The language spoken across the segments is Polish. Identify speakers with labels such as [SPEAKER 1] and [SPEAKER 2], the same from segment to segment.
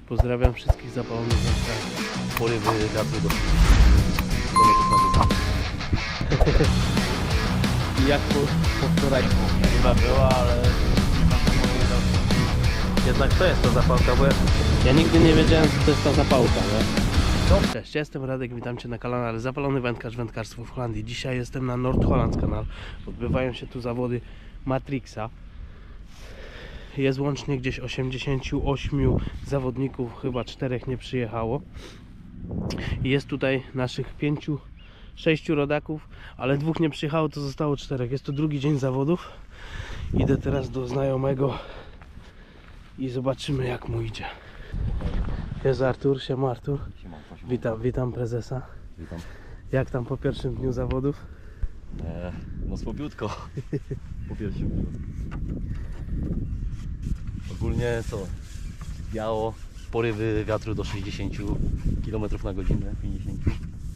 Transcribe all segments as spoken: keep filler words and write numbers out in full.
[SPEAKER 1] Pozdrawiam wszystkich zapalonych wędkarzy.
[SPEAKER 2] Porywy wiatru do kilometrów na godzinę.
[SPEAKER 1] I jak po, po wczoraj?
[SPEAKER 2] Chyba była, ale nie ma mojej racji.
[SPEAKER 1] Jednak to jest ta zapałka, bo ja, ja nigdy nie wiedziałem, co to jest ta zapałka, nie? Cześć, jestem Radek, witam Cię na kanale Zapalony Wędkarz, Wędkarstwo w Holandii. Dzisiaj jestem na Noord-Hollands kanał. Odbywają się tu zawody Matrixa. Jest łącznie gdzieś osiemdziesięciu ośmiu zawodników, chyba czterech nie przyjechało. I jest tutaj naszych pięciu, sześciu rodaków, ale dwóch nie przyjechało, to zostało czterech. Jest to drugi dzień zawodów. Idę teraz do znajomego i zobaczymy, jak mu idzie. Jest Artur, siema Artur.
[SPEAKER 2] Siema, siema.
[SPEAKER 1] Witam, witam prezesa.
[SPEAKER 2] Witam.
[SPEAKER 1] Jak tam po pierwszym dniu zawodów?
[SPEAKER 2] E, no słabiutko. Po pierwszym dniu. Ogólnie co? Biało, porywy wiatru do sześćdziesięciu kilometrów na godzinę, pięćdziesięciu.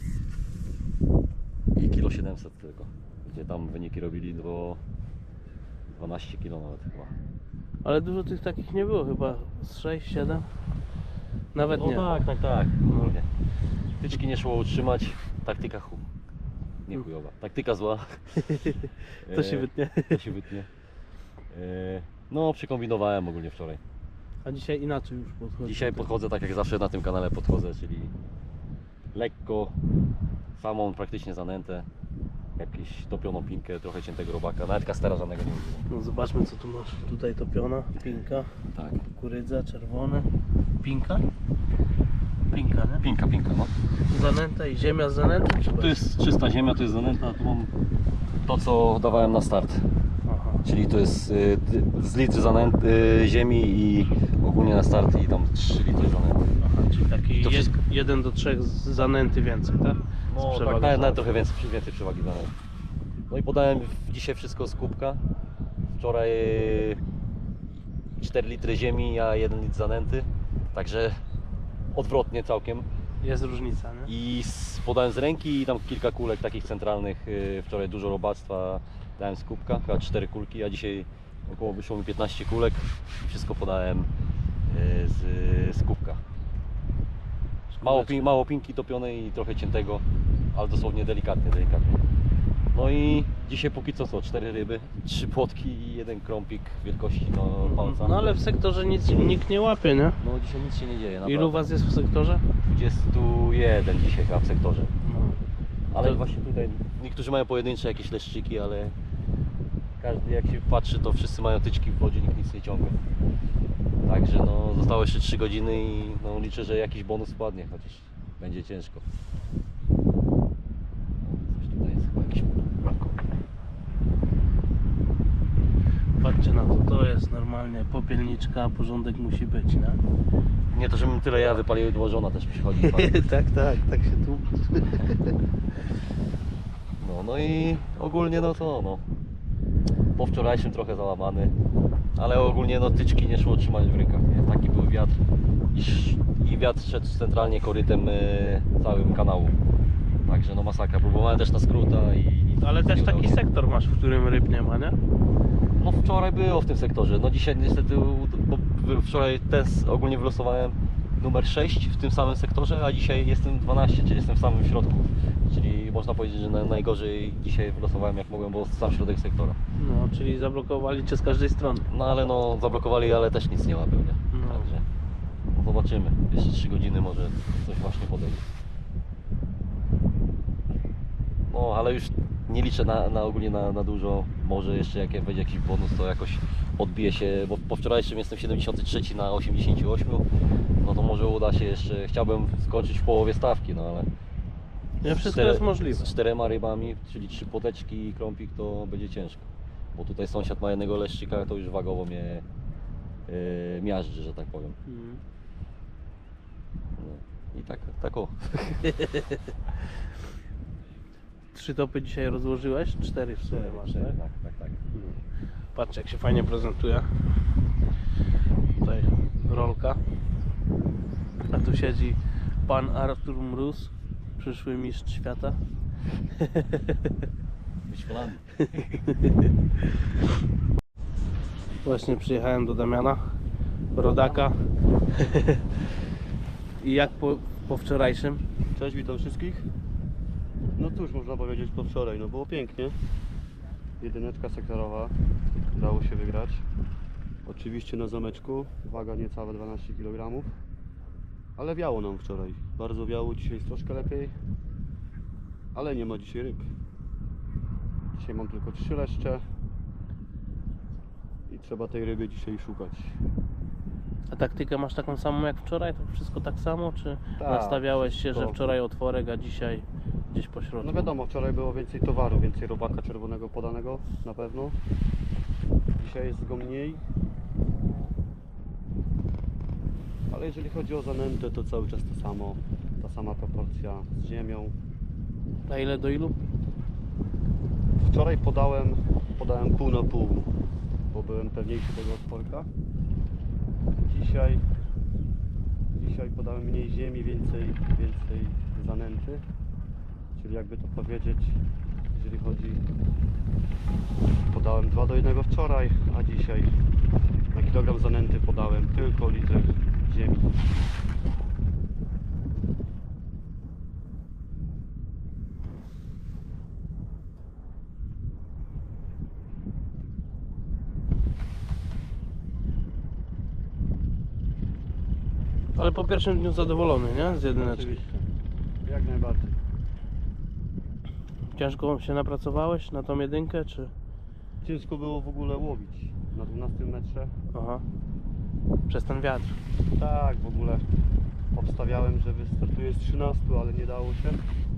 [SPEAKER 2] I kilo siedemset tylko. Gdzie tam wyniki robili do dwanaście kilo nawet chyba.
[SPEAKER 1] Ale dużo tych takich nie było, chyba z sześć siedem? Nawet
[SPEAKER 2] No
[SPEAKER 1] nie.
[SPEAKER 2] tak, tak, tak. Ogólnie. Tyczki nie szło utrzymać, taktyka chu... nie chujowa. Taktyka zła.
[SPEAKER 1] To się
[SPEAKER 2] E,
[SPEAKER 1] wytnie.
[SPEAKER 2] To się wytnie. E, No, przekombinowałem ogólnie wczoraj.
[SPEAKER 1] A dzisiaj inaczej już podchodzi.
[SPEAKER 2] Dzisiaj podchodzę tak jak zawsze na tym kanale podchodzę, czyli lekko, samą praktycznie zanętę, jakąś topioną pinkę, trochę ciętego robaka, nawet kastera żadnego nie używam.
[SPEAKER 1] No zobaczmy, co tu masz. Tutaj topiona, pinka,
[SPEAKER 2] Tak.
[SPEAKER 1] kukurydza, czerwone. Pinka? Pinka, nie?
[SPEAKER 2] Pinka, pinka, no.
[SPEAKER 1] Zanęta i ziemia z zanęty? Czy
[SPEAKER 2] Tu jest czysta ziemia, to jest zanęta, tu mam to co dawałem na start.
[SPEAKER 1] Aha.
[SPEAKER 2] Czyli to jest y, z litry zanęty, y, ziemi i ogólnie na start i tam trzy litry zanęty.
[SPEAKER 1] Aha, czyli taki
[SPEAKER 2] To
[SPEAKER 1] jed,
[SPEAKER 2] wszystko.
[SPEAKER 1] jeden do trzech z zanęty więcej, tak?
[SPEAKER 2] No
[SPEAKER 1] Z
[SPEAKER 2] tak,
[SPEAKER 1] przewagą
[SPEAKER 2] nawet, nawet
[SPEAKER 1] zanęty.
[SPEAKER 2] trochę więcej, więcej przewagi zanęty. No i podałem dzisiaj wszystko z kubka. Wczoraj y, cztery litry ziemi, a jeden litr zanęty. Także odwrotnie całkiem.
[SPEAKER 1] Jest różnica, nie?
[SPEAKER 2] I z, podałem z ręki i tam kilka kulek takich centralnych. y, Wczoraj dużo robactwa dałem z kubka, chyba cztery kulki, a dzisiaj około wyszło mi piętnaście kulek. Wszystko podałem y, z, z kubka. Mało, pin, mało pinki topionej i trochę ciętego, ale dosłownie delikatnie, delikatnie. No i dzisiaj póki co co, cztery ryby, trzy płotki i jeden krąpik wielkości no, palca.
[SPEAKER 1] No ale w sektorze nic, nikt nie łapie, nie?
[SPEAKER 2] No dzisiaj nic się nie dzieje, naprawdę.
[SPEAKER 1] Ilu was jest w sektorze?
[SPEAKER 2] dwudziesty jeden dzisiaj chyba w sektorze.
[SPEAKER 1] No.
[SPEAKER 2] Ale
[SPEAKER 1] To-
[SPEAKER 2] właśnie tutaj niektórzy mają pojedyncze jakieś leszczyki, ale każdy jak się patrzy, to wszyscy mają tyczki w wodzie, nikt nic nie ciągnie. Także no zostało jeszcze trzy godziny i no, liczę, że jakiś bonus spadnie, chociaż będzie ciężko. Coś tutaj jest chyba jakiś makro.
[SPEAKER 1] Patrzcie na to, to jest normalnie popielniczka, porządek musi być, nie?
[SPEAKER 2] Nie to, żebym tyle ja wypalił, bo żona też przychodzi.
[SPEAKER 1] tak, tak, tak się tu.
[SPEAKER 2] No, no i ogólnie no to no. Po wczorajszym trochę załamany, ale ogólnie no tyczki nie szło trzymać w rękach, nie? Taki był wiatr i, sz- i wiatr szedł centralnie korytem y, całym kanału. Także no masakra, próbowałem też na skróta i...
[SPEAKER 1] Ale też
[SPEAKER 2] nie udało
[SPEAKER 1] taki
[SPEAKER 2] się.
[SPEAKER 1] sektor masz, w którym ryb nie ma, nie?
[SPEAKER 2] No wczoraj było w tym sektorze, no dzisiaj niestety, bo wczoraj test ogólnie wylosowałem numer sześć w tym samym sektorze, a dzisiaj jestem dwanaście, czyli jestem w samym środku. Czyli można powiedzieć, że na, najgorzej dzisiaj wylosowałem jak mogłem, bo sam środek sektora.
[SPEAKER 1] No, czyli zablokowali cię z każdej strony.
[SPEAKER 2] No ale no zablokowali, ale też nic nie łapią, nie?
[SPEAKER 1] No.
[SPEAKER 2] Także no, zobaczymy. Jeszcze trzy godziny może coś właśnie podejdzie. No ale już nie liczę na, na ogólnie na, na dużo. Może jeszcze jak będzie jakiś bonus, to jakoś odbije się, bo po wczorajszym jestem siedemdziesiąty trzeci na osiemdziesięciu ośmiu. No to może uda się jeszcze, chciałbym skończyć w połowie stawki, no ale
[SPEAKER 1] Nie,
[SPEAKER 2] z
[SPEAKER 1] wszystko
[SPEAKER 2] cztere-
[SPEAKER 1] jest możliwe.
[SPEAKER 2] Z czterema rybami, czyli trzy poteczki i krąpik, to będzie ciężko. Bo tutaj sąsiad ma jednego leszczyka, to już wagowo mnie yy, miażdży, że tak powiem.
[SPEAKER 1] Mhm.
[SPEAKER 2] No. I tak, tak o.
[SPEAKER 1] Trzy topy dzisiaj rozłożyłeś? Cztery w sumie masz, tak?
[SPEAKER 2] tak, tak, tak.
[SPEAKER 1] Patrz, jak się fajnie prezentuje. Tutaj rolka. A tu siedzi pan Artur Mróz, przyszły mistrz świata.
[SPEAKER 2] Być w Holandii.
[SPEAKER 1] Właśnie przyjechałem do Damiana. rodaka. I jak po, po wczorajszym?
[SPEAKER 3] Cześć, witam wszystkich. No cóż, można powiedzieć po wczoraj, no było pięknie. Jedyneczka sektorowa, udało się wygrać. Oczywiście na zameczku, waga niecałe dwanaście kilogramów. Ale wiało nam wczoraj, bardzo wiało, dzisiaj jest troszkę lepiej. Ale nie ma dzisiaj ryb. Dzisiaj mam tylko trzy leszcze. I trzeba tej ryby dzisiaj szukać.
[SPEAKER 1] A taktykę masz taką samą jak wczoraj? To wszystko tak samo? Czy
[SPEAKER 3] Tak,
[SPEAKER 1] nastawiałeś się,
[SPEAKER 3] wszystko.
[SPEAKER 1] że wczoraj otworek, a dzisiaj gdzieś po środku?
[SPEAKER 3] No wiadomo, wczoraj było więcej towaru, więcej robaka czerwonego podanego na pewno. Dzisiaj jest go mniej. Ale jeżeli chodzi o zanętę, to cały czas to samo. Ta sama proporcja z ziemią.
[SPEAKER 1] A ile do ilu?
[SPEAKER 3] Wczoraj podałem, podałem pół na pół, bo byłem pewniejszy tego otworka. Dzisiaj, dzisiaj podałem mniej ziemi, więcej, więcej zanęty. Czyli jakby to powiedzieć, jeżeli chodzi, podałem dwa do jednego wczoraj, a dzisiaj na kilogram zanęty podałem tylko litr ziemi.
[SPEAKER 1] Ale po pierwszym dniu zadowolony, nie? Z jedyneczki.
[SPEAKER 3] Oczywiście, jak najbardziej.
[SPEAKER 1] Ciężko się napracowałeś na tą jedynkę, czy?
[SPEAKER 3] Ciężko było w ogóle łowić na dwunastym metrze.
[SPEAKER 1] Aha. Przez ten wiatr.
[SPEAKER 3] Tak, w ogóle obstawiałem, że wystartuję z trzynastu, ale nie dało się.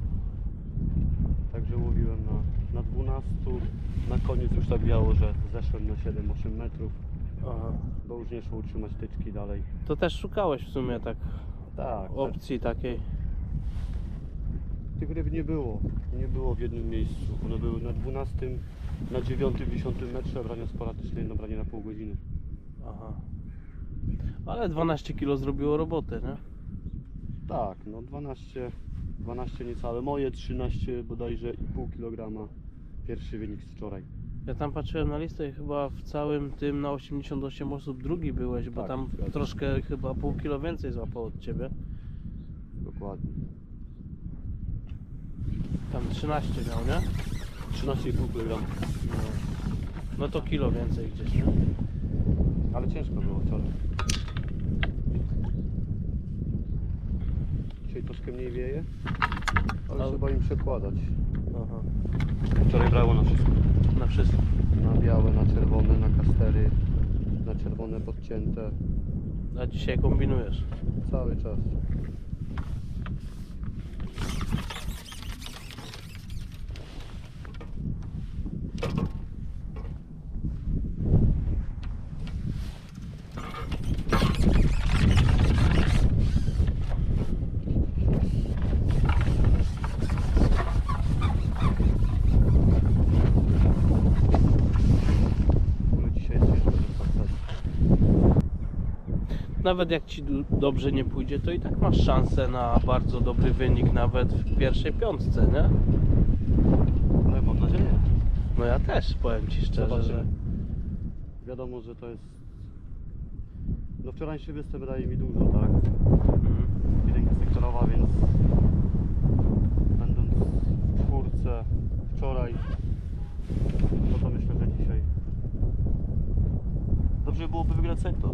[SPEAKER 3] Także łowiłem na, na dwunastu. Na koniec już tak wiało, że zeszłem na siedem osiem metrów,
[SPEAKER 1] Aha.
[SPEAKER 3] bo już nie szło utrzymać tyczki dalej.
[SPEAKER 1] To też szukałeś w sumie tak
[SPEAKER 3] Tak,
[SPEAKER 1] opcji takiej.
[SPEAKER 3] tych ryb nie było. Nie było w jednym miejscu. One były na dwunastym, na dziewiątym, dziesiątym metrze, brania sporadyczne, jedno branie na pół godziny.
[SPEAKER 1] Aha. Ale dwanaście kilo zrobiło roboty, nie?
[SPEAKER 3] Tak, no dwanaście, dwanaście niecałe. Moje trzynaście bodajże i pół kilograma. Pierwszy wynik z wczoraj.
[SPEAKER 1] Ja tam patrzyłem na listę i chyba w całym tym na osiemdziesiąt osiem osób drugi byłeś, bo
[SPEAKER 3] Tak,
[SPEAKER 1] tam
[SPEAKER 3] zgadza się.
[SPEAKER 1] troszkę chyba pół kilo więcej złapało od ciebie.
[SPEAKER 3] Dokładnie.
[SPEAKER 1] Tam trzynaście miał, nie?
[SPEAKER 3] trzynaście i pół kilograma.
[SPEAKER 1] No. No to kilo więcej gdzieś, nie?
[SPEAKER 3] Ale ciężko było wczoraj. Dzisiaj troszkę mniej wieje, ale
[SPEAKER 1] Ale-
[SPEAKER 3] trzeba im przekładać.
[SPEAKER 1] Aha.
[SPEAKER 3] Wczoraj brało na wszystko.
[SPEAKER 1] Na wszystko.
[SPEAKER 3] Na białe, na czerwone, na kastery, na czerwone podcięte.
[SPEAKER 1] A dzisiaj kombinujesz.
[SPEAKER 3] Cały czas. W ogóle dzisiaj jest ciężko dostać.
[SPEAKER 1] Nawet jak ci d- dobrze nie pójdzie, to i tak masz szansę na bardzo dobry wynik nawet w pierwszej piątce, nie?
[SPEAKER 3] Ale mam nadzieję.
[SPEAKER 1] No ja też, powiem ci szczerze, że...
[SPEAKER 3] Zobaczymy. Wiadomo, że to jest... No wczorajszy występ daje mi dużo, tak?
[SPEAKER 1] Mhm.
[SPEAKER 3] Jedynka sektorowa, więc będąc w czwórce wczoraj, no to myślę, że dzisiaj dobrze byłoby wygrać sektor.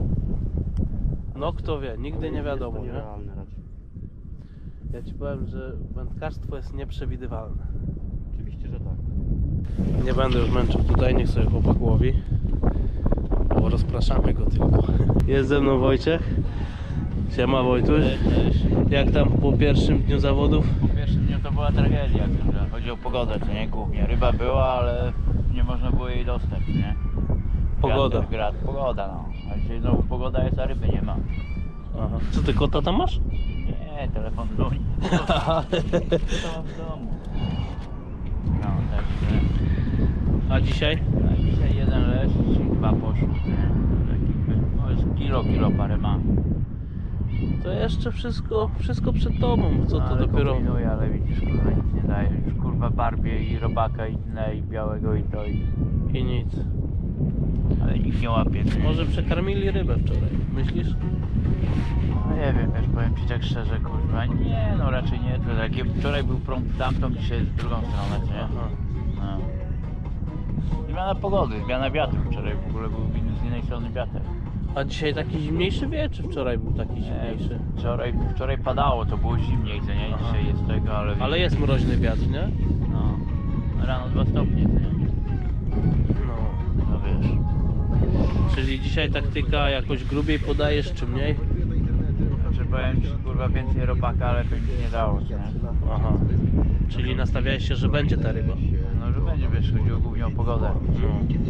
[SPEAKER 1] No kto wie, nigdy nie wiadomo,
[SPEAKER 3] Jest to
[SPEAKER 1] nie?
[SPEAKER 3] nierealne raczej.
[SPEAKER 1] Ja ci powiem, że wędkarstwo jest nieprzewidywalne.
[SPEAKER 3] Oczywiście, że tak.
[SPEAKER 1] Nie będę już męczył tutaj, niech sobie chłopak łowi. Bo rozpraszamy go tylko. Jest ze mną Wojciech. Siema Wojtuś. Jak tam po pierwszym dniu zawodów?
[SPEAKER 4] Po pierwszym dniu to była tragedia, że chodzi o pogodę, co nie, głównie. Ryba była, ale nie można było jej dostać, nie?
[SPEAKER 1] Pogoda.
[SPEAKER 4] Wiatr, grad, pogoda, no. A dzisiaj znowu pogoda jest, a ryby nie ma.
[SPEAKER 1] Aha. Co ty, kota tam masz?
[SPEAKER 4] Nie, telefon dzwoni. To mam w domu. No, także...
[SPEAKER 1] A dzisiaj?
[SPEAKER 4] A dzisiaj jeden lesz i dwa poszły, nie? Taki, no jest kilo, kilo parę ma.
[SPEAKER 1] To jeszcze wszystko, wszystko przed tobą. Co to
[SPEAKER 4] ale
[SPEAKER 1] dopiero?
[SPEAKER 4] kombinuję, ale widzisz, kurwa, nic nie daje. Już kurwa barbię i robaka i inne, i białego i to i...
[SPEAKER 1] I nic.
[SPEAKER 4] ale nikt nie łapie.
[SPEAKER 1] Może przekarmili rybę wczoraj, myślisz?
[SPEAKER 4] No nie wiem, wiesz, powiem ci tak szczerze, kurwa, nie, no raczej nie, to takie, wczoraj był prąd w tamtą, dzisiaj jest w drugą stronę, co nie?
[SPEAKER 1] Aha.
[SPEAKER 4] No. Zmiana pogody, zmiana wiatru, wczoraj w ogóle był z innej strony wiatr.
[SPEAKER 1] A dzisiaj taki zimniejszy wie, czy wczoraj był taki zimniejszy?
[SPEAKER 4] Wczoraj, wczoraj padało, to było zimniej, co nie? Dzisiaj jest tego, ale...
[SPEAKER 1] Ale jest mroźny wiatr, nie?
[SPEAKER 4] No, rano dwa stopnie, co nie?
[SPEAKER 1] No.
[SPEAKER 4] No wiesz.
[SPEAKER 1] Czyli dzisiaj taktyka jakoś grubiej podajesz, czy mniej?
[SPEAKER 4] Znaczy powiem ci, kurwa, więcej robaka, ale to nic nie dało, co nie?
[SPEAKER 1] Aha. Czyli nastawiałeś się, że będzie ta ryba.
[SPEAKER 4] No, że będzie, wiesz, chodziło głównie o pogodę.
[SPEAKER 1] No.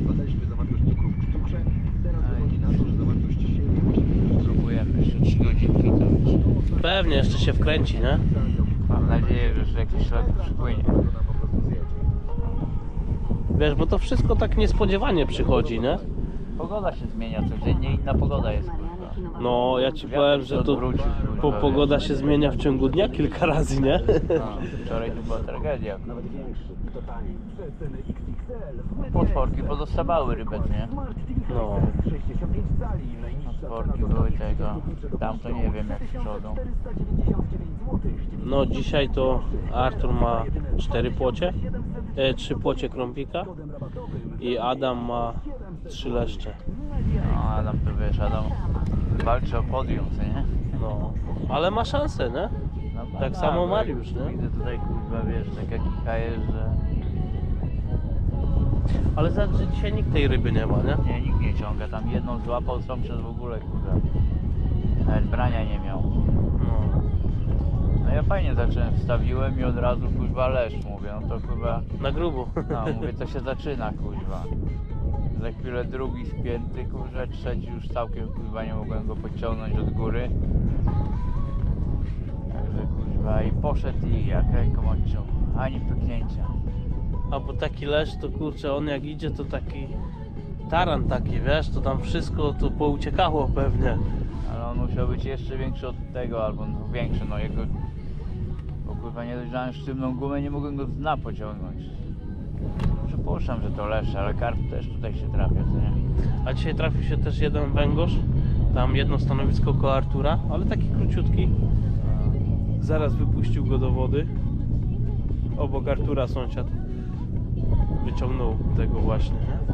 [SPEAKER 4] Próbujemy jeszcze trzy godzinki, to wiesz.
[SPEAKER 1] Pewnie jeszcze się wkręci, nie?
[SPEAKER 4] Mam nadzieję, że jakiś ślad przypłynie.
[SPEAKER 1] Wiesz, bo to wszystko tak niespodziewanie przychodzi, nie?
[SPEAKER 4] Pogoda się zmienia, codziennie inna pogoda jest, kurwa.
[SPEAKER 1] No, ja ci powiem, że to
[SPEAKER 4] Odwrócić, kurwa,
[SPEAKER 1] po,
[SPEAKER 4] wiesz.
[SPEAKER 1] pogoda się zmienia w ciągu dnia kilka razy, nie?
[SPEAKER 4] No, wczoraj tu była tragedia. Potworki pozostawały rybę, nie?
[SPEAKER 1] No.
[SPEAKER 4] Potworki były tego. Tam to nie wiem jak z przodu.
[SPEAKER 1] No, dzisiaj to Artur ma cztery płocie, e, trzy płocie krąpika i Adam ma trzy leszcze.
[SPEAKER 4] No Adam to wiesz, Adam walczy o podium, co nie?
[SPEAKER 1] No, ale ma szansę, nie?
[SPEAKER 4] No,
[SPEAKER 1] Tak
[SPEAKER 4] no,
[SPEAKER 1] samo
[SPEAKER 4] bo
[SPEAKER 1] Mariusz, nie?
[SPEAKER 4] Widzę tutaj, kurwa, wiesz, taka kika jest, że
[SPEAKER 1] Ale za że dzisiaj nikt tej ryby nie ma, nie?
[SPEAKER 4] nie, nikt nie ciąga. Tam jedną złapał, są przez w ogóle, kurwa. Nawet brania nie miał.
[SPEAKER 1] No.
[SPEAKER 4] No ja fajnie zacząłem, wstawiłem i od razu, kurwa, leszcz, mówię, no to kurwa,
[SPEAKER 1] Na grubo.
[SPEAKER 4] no mówię, to się zaczyna, kurwa. Za chwilę drugi spięty, kurwa, trzeci już całkiem, kurwa, nie mogłem go podciągnąć od góry. Także, kurwa, i poszedł i jak ręką odciął, ani pyknięcia.
[SPEAKER 1] A bo taki leszcz to kurczę, on jak idzie to taki taran taki, wiesz, to tam wszystko to pouciekało pewnie.
[SPEAKER 4] Ale on musiał być jeszcze większy od tego, albo no, większy, no jego... Bo kurwa nie dojrzałem sztywną gumę, nie mogłem go z dna pociągnąć. Przypuszczam, że to leszcz, ale karp też tutaj się trafia, co nie?
[SPEAKER 1] A dzisiaj trafił się też jeden węgorz, tam jedno stanowisko koło Artura, ale taki króciutki. Zaraz wypuścił go do wody. Obok Artura sąsiad wyciągnął tego właśnie, nie?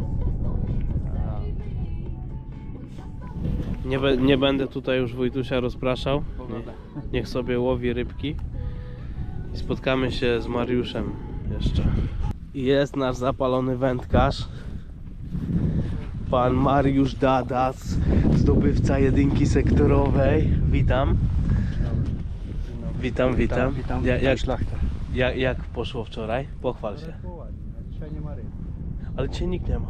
[SPEAKER 1] Nie, be, nie będę tutaj już Wojtusia rozpraszał. Nie, niech sobie łowi rybki. I spotkamy się z Mariuszem jeszcze. Jest nasz zapalony wędkarz. Pan Mariusz Dadas, zdobywca jedynki sektorowej. Witam. Witam, witam.
[SPEAKER 3] Witam,
[SPEAKER 1] Ja, jak,
[SPEAKER 3] szlachta.
[SPEAKER 1] jak, jak poszło wczoraj? Pochwal się.
[SPEAKER 3] Dzisiaj nie ma ryb.
[SPEAKER 1] Ale dzisiaj nikt nie ma.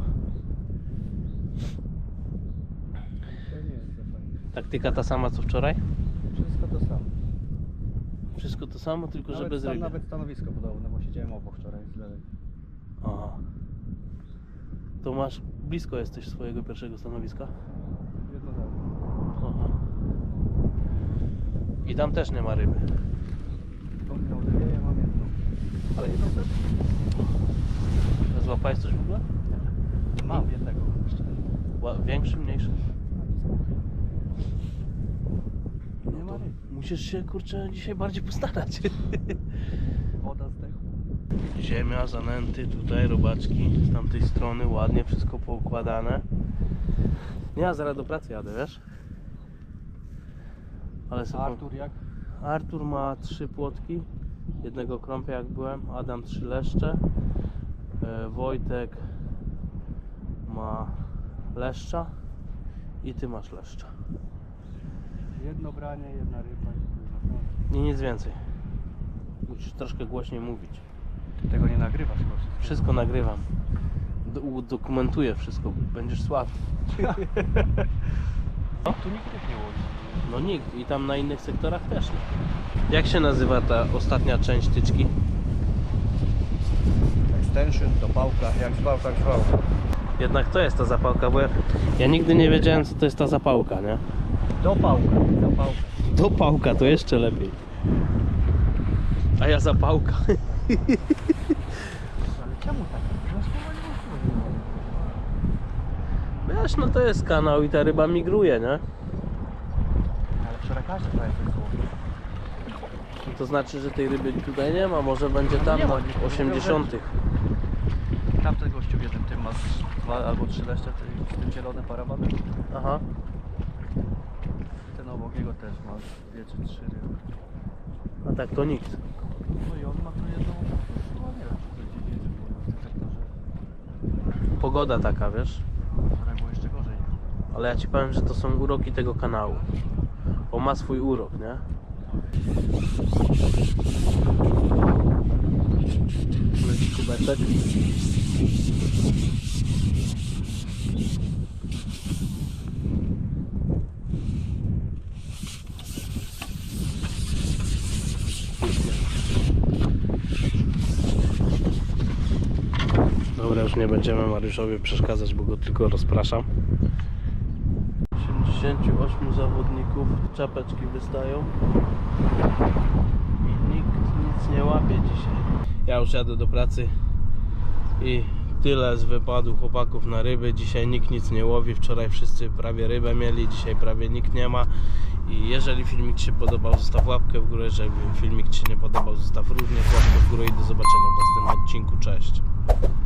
[SPEAKER 3] To nie jest za fajne.
[SPEAKER 1] Taktyka ta sama co wczoraj?
[SPEAKER 3] Wszystko to samo.
[SPEAKER 1] Wszystko to samo, tylko że
[SPEAKER 3] Nawet,
[SPEAKER 1] bez
[SPEAKER 3] tam
[SPEAKER 1] ryby.
[SPEAKER 3] nawet stanowisko podobne, bo siedziałem obok wczoraj z lewej.
[SPEAKER 1] Aha. To masz, blisko jesteś swojego pierwszego stanowiska?
[SPEAKER 3] Jedno dalej.
[SPEAKER 1] Aha. I tam też nie ma ryby.
[SPEAKER 3] Tą dwie, ja mam jedną. Ale jedną też?
[SPEAKER 1] Złapałeś coś w ogóle?
[SPEAKER 3] Mam jednego jeszcze.
[SPEAKER 1] Ła- Większy, mniejszy?
[SPEAKER 3] Nie ma ryb.
[SPEAKER 1] Musisz się kurczę dzisiaj bardziej postarać.
[SPEAKER 3] Woda zdechła.
[SPEAKER 1] Ziemia, zanęty, tutaj robaczki z tamtej strony, ładnie wszystko poukładane. Ja zaraz do pracy jadę, wiesz? Ale sobie...
[SPEAKER 3] Artur jak?
[SPEAKER 1] Artur ma trzy płotki, jednego krąpia jak byłem, Adam trzy leszcze, e, Wojtek ma leszcza i ty masz leszcza.
[SPEAKER 3] Jedno branie, jedna ryba.
[SPEAKER 1] I nic więcej. Musisz troszkę głośniej mówić.
[SPEAKER 3] Ty tego nie nagrywasz chyba wszystko.
[SPEAKER 1] Wszystko nagrywam. Do, udokumentuję wszystko, będziesz sławny.
[SPEAKER 3] No, tu nikt ryb nie łowi.
[SPEAKER 1] No nikt i tam na innych sektorach też nie. Jak się nazywa ta ostatnia część tyczki?
[SPEAKER 3] Extension, dopałka, jak zwał, tak zwał.
[SPEAKER 1] Jednak to jest ta zapałka, bo ja, ja nigdy nie wiedziałem co to jest ta zapałka, nie?
[SPEAKER 3] Dopałka, dopałka.
[SPEAKER 1] Dopałka to jeszcze lepiej. A ja zapałka.
[SPEAKER 3] Ale czemu tak? No, słowa nie ma.
[SPEAKER 1] wiesz, no to jest kanał i ta ryba migruje, nie?
[SPEAKER 3] Ale wczoraj każdy prawie coś złowił.
[SPEAKER 1] To znaczy, że tej ryby tutaj nie ma, może będzie
[SPEAKER 3] No
[SPEAKER 1] tam
[SPEAKER 3] nie
[SPEAKER 1] na
[SPEAKER 3] ma, nie- nie
[SPEAKER 1] osiemdziesiątych.
[SPEAKER 3] Tamten gościu w jednym tym ma z dwa albo trzy leszcze ty- z tym zielonym parabanem.
[SPEAKER 1] Aha.
[SPEAKER 3] Ten obok niego też ma dwie czy trzy ryby.
[SPEAKER 1] A tak to nikt.
[SPEAKER 3] No i on ma tu jedną, no nie wiem, czy to gdzieś jedzie w tym sektorze.
[SPEAKER 1] Pogoda taka, wiesz?
[SPEAKER 3] Wczoraj było jeszcze gorzej.
[SPEAKER 1] Ale ja ci powiem, że to są uroki tego kanału. On ma swój urok, nie? Leci kubeczek. Dobra, już nie będziemy Mariuszowi przeszkadzać, bo go tylko rozpraszam. osiemdziesięciu ośmiu zawodników, czapeczki wystają i nikt nic nie łapie dzisiaj. Ja już jadę do pracy i tyle z wypadu chłopaków na ryby. Dzisiaj nikt nic nie łowi, wczoraj wszyscy prawie rybę mieli, dzisiaj prawie nikt nie ma. I jeżeli filmik Ci się podobał, zostaw łapkę w górę, jeżeli filmik Ci się nie podobał, zostaw również łapkę w górę i do zobaczenia w następnym odcinku. Cześć!